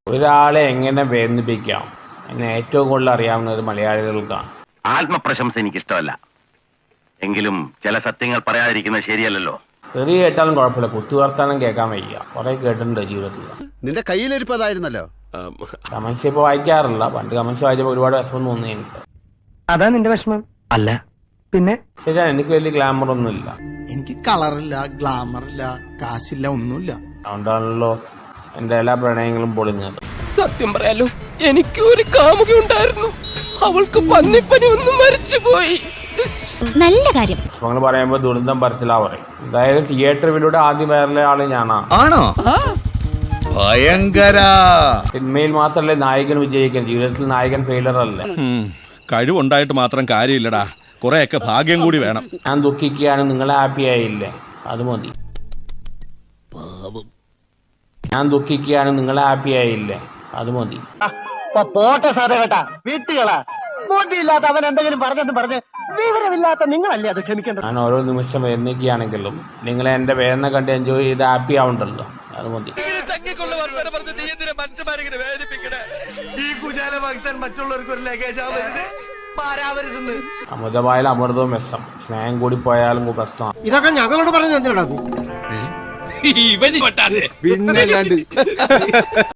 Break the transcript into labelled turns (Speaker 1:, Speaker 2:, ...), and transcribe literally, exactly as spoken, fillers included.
Speaker 1: ഒരാളെ എങ്ങനെ വേദനിപ്പിക്കാം എന്നെ ഏറ്റവും കൂടുതൽ അറിയാവുന്നത് മലയാളികൾക്കാണ്.
Speaker 2: ആത്മപ്രശംസ എനിക്കിഷ്ടമല്ല, എങ്കിലും ചില സത്യങ്ങൾ പറയാതിരിക്കുന്നത് ശരിയല്ലല്ലോ.
Speaker 1: തെറി കേട്ടാലും കുഴപ്പമില്ല, കുത്തുവർത്താനം കേൾക്കാൻ വയ്യ. കുറെ കേട്ടിട്ടുണ്ട് ജീവിതത്തിൽ.
Speaker 3: നിന്റെ കയ്യിലിരിപ്പതായിരുന്നല്ലോ.
Speaker 1: കമൻസ് ഇപ്പോൾ വായിക്കാറില്ല. പണ്ട് കമൻസ് വായിച്ചപ്പോൾ ഒരുപാട് വിഷമം തോന്നി എനിക്ക്.
Speaker 4: അതാ നിന്റെ വിഷമം അല്ല പിന്നെ?
Speaker 1: ശരിയാണ്, എനിക്ക് വലിയ ഗ്ലാമർ ഒന്നുമില്ല.
Speaker 5: എനിക്ക് കളറില്ല, ഗ്ലാമർ ഇല്ല, കാശില്ല, ഒന്നുമില്ല.
Speaker 1: അതുകൊണ്ടാണല്ലോ എൻ്റെ എല്ലാ പ്രണയങ്ങളും പൊളിഞ്ഞത്.
Speaker 6: സത്യം പറയാലോ, എനിക്ക് ഒരു കാമുകി ഉണ്ടായിരുന്നു. അവൾക്ക് പന്നിപ്പനി ഒന്നും മരിച്ചുപോയി.
Speaker 7: നല്ല കാര്യം.
Speaker 1: വിഷമങ്ങൾ പറയുമ്പോൾ ദുരന്തം പരത്തിലാ പറയും. എന്തായാലും തിയേറ്ററിലൂടെ ആദ്യം വൈറലായ ആള് ഞാനാ.
Speaker 3: ആണോ? ഭയങ്കര.
Speaker 1: സിനിമയിൽ മാത്രമല്ലേ നായകൻ വിജയിക്കാൻ, ജീവിതത്തിൽ നായകൻ ഫെയിലർ അല്ലേ.
Speaker 8: കഴിവുണ്ടായിട്ട് മാത്രം കാര്യമില്ലടാ, കുറെയൊക്കെ ഭാഗ്യം കൂടി വേണം.
Speaker 1: ഞാൻ ദുഃഖിക്കുകയാണ്, നിങ്ങൾ ഹാപ്പി ആയില്ലേ, അത് മതി. ഞാൻ ദുഃഖിക്കുകയാണ്, നിങ്ങൾ ഹാപ്പി ആയില്ലേ, അത് മതി.
Speaker 4: പോട്ടെ സാറേ കേട്ടാ, വീട്ടുകളാ ബോട്ടിയില്ലാത്ത അവൻ എന്തെങ്കിലും പറഞ്ഞെന്ന് പറഞ്ഞ് വിവരമില്ലാത്ത നിങ്ങളല്ലേ അത് ക്ഷമിക്കേണ്ടത്.
Speaker 1: ഞാൻ ഓരോ നിമിഷം വേദനിക്കുകയാണെങ്കിലും നിങ്ങൾ എൻ്റെ വേദന കണ്ട് എൻജോയ് ചെയ്ത് ഹാപ്പി ആവുണ്ടല്ലോ, അത് മതി. അമൃതമായാലും അമൃതവും വിഷം, സ്നേഹം കൂടി പോയാലും പ്രശ്നമാണ്.
Speaker 5: ഇതൊക്കെ ഞങ്ങളോട് പറഞ്ഞ എന്തിനാ?
Speaker 6: ഇവന്
Speaker 5: പിന്നെ